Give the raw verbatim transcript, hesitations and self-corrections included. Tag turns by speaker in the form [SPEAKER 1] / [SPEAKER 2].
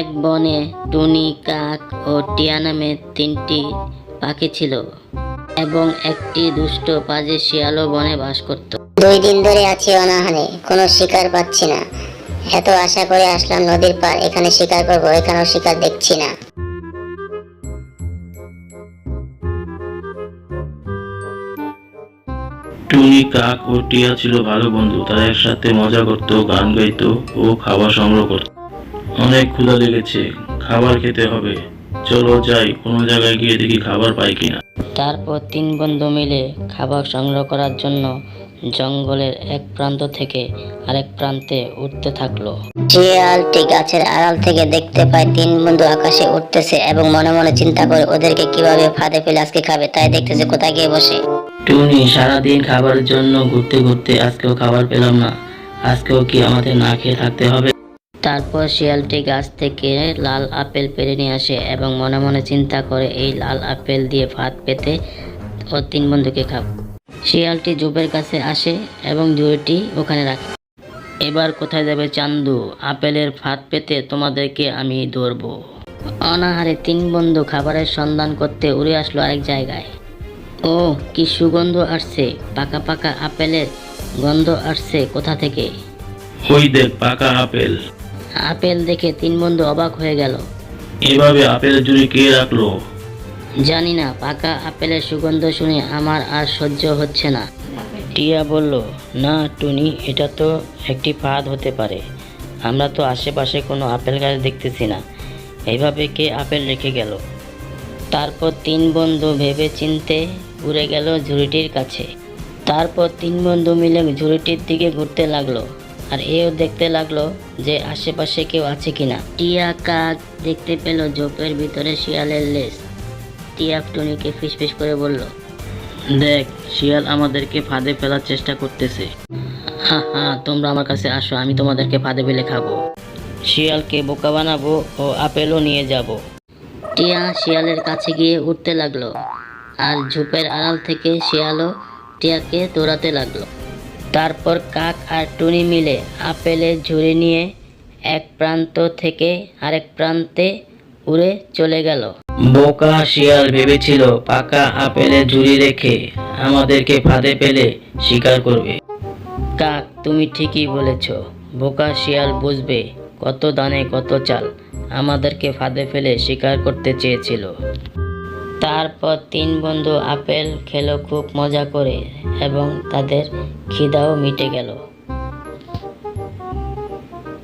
[SPEAKER 1] এক বনে টুনি, কাক ও টিয়া নামে তিনটি পাখি ছিল এবং একটি দুষ্ট পাজি শিয়ালও বনে বাস করত।
[SPEAKER 2] দুই দিন ধরে আছি অনাহারে, কোনো শিকার পাচ্ছি না। এত আশা করে আসলাম নদীর পার, এখানে শিকার করবো, এখানেও শিকার দেখছি না।
[SPEAKER 3] টুনি, কাক ও টিয়া ছিল ভালো বন্ধু। তারা একসাথে মজা করত, গান গাইতো ও খাবার সংগ্রহ করত। অনেক ক্ষুধা লেগেছে, খাবার খেতে হবে। চলো যাই, কোনো জায়গায় গিয়ে দেখি খাবার পাই কিনা।
[SPEAKER 1] তারপর তিন বন্ধু মিলে খাবার সংগ্রহ করার জন্য জঙ্গলের এক প্রান্ত থেকে আরেক প্রান্তে উঠতে থাকলো।
[SPEAKER 2] শিয়ালটি গাছের আড়াল থেকে দেখতে পায় তিন বন্ধু আকাশে উঠতেছে এবং মনে মনে চিন্তা করে ওদেরকে কিভাবে ফাঁদে ফেলে আজকে খাবে, তাই দেখতেছে কোথায় গিয়ে বসে।
[SPEAKER 1] টুনি, সারাদিন খাবারের জন্য ঘুরতে ঘুরতে আজকেও খাবার পেলাম না, আজকেও কি আমাদের না খেয়ে থাকতে হবে? তারপর শিয়ালটি গাছ থেকে লাল আপেল পেড়ে নিয়ে আসে এবং মনে মনে চিন্তা করে এই লাল আপেল দিয়ে ভাত পেতে ও তিন বন্ধুকে খাব। শিয়ালটি ঝোপের কাছে আসে এবং ঝুড়িটি ওখানে রাখে। এবার কোথায় যাবে চান্দু? আপেলের ভাত পেতে তোমাদেরকে আমি ধরবো। অনাহারে তিন বন্ধু খাবারের সন্ধান করতে উড়ে আসলো আরেক জায়গায়। ও কি সুগন্ধ আসছে, পাকা পাকা আপেলের গন্ধ আসছে কোথা থেকে?
[SPEAKER 3] ওই দেখ, পাকা আপেল।
[SPEAKER 1] আপেল দেখে তিন বন্ধু অবাক হয়ে গেল।
[SPEAKER 3] এভাবে আপেলের ঝুড়ি কে রাখলো?
[SPEAKER 1] জানি না, পাকা আপেলের সুগন্ধ শুনে আমার আর সহ্য হচ্ছে না। টিয়া বলল, না টুনি, এটা তো একটি ফাঁদ হতে পারে। আমরা তো আশেপাশে কোনো আপেল গাছ দেখতেছি না, এইভাবে কে আপেল রেখে গেল? তারপর তিন বন্ধু ভেবে চিনতে উড়ে গেল ঝুড়িটির কাছে। তারপর তিন বন্ধু মিলে ঝুড়িটির দিকে ঘুরতে লাগলো আর এও দেখতে লাগলো যে আশেপাশে কেউ আছে কিনা। টিয়া কাক দেখতে পেল ঝোপের ভিতরে শিয়ালের লেজ। টিয়া টুনিকে ফিসফিস করে বলল, দেখ, শিয়াল আমাদেরকে ফাঁদে ফেলার চেষ্টা করতেছে। হা হা, তোমরা আমার কাছে আসো, আমি তোমাদেরকে ফাঁদে ফেলে খাবো। শিয়ালকে বোকা বানাবো ও আপেলও নিয়ে যাব। টিয়া শিয়ালের কাছে গিয়ে উঠতে লাগলো আর ঝোপের আড়াল থেকে শিয়ালও টিয়াকে দৌড়াতে লাগলো। তারপর কাক আর টুনি মিলে আপেলের ঝুড়ি নিয়ে এক প্রান্ত থেকে আরেক প্রান্তে উড়ে চলে গেল। বোকা শিয়াল ভেবেছিল পাকা আপেলের ঝুড়ি রেখে আমাদেরকে ফাঁদে ফেলে শিকার করবে। কাক, তুমি ঠিকই বলেছ, বোকা শিয়াল বুঝবে কত দানে কত চাল, আমাদেরকে ফাঁদে ফেলে শিকার করতে চেয়েছিল। তারপর তিন বন্ধু আপেল খেলো খুব মজা করে এবং তাদের খিদাও মিটে গেল।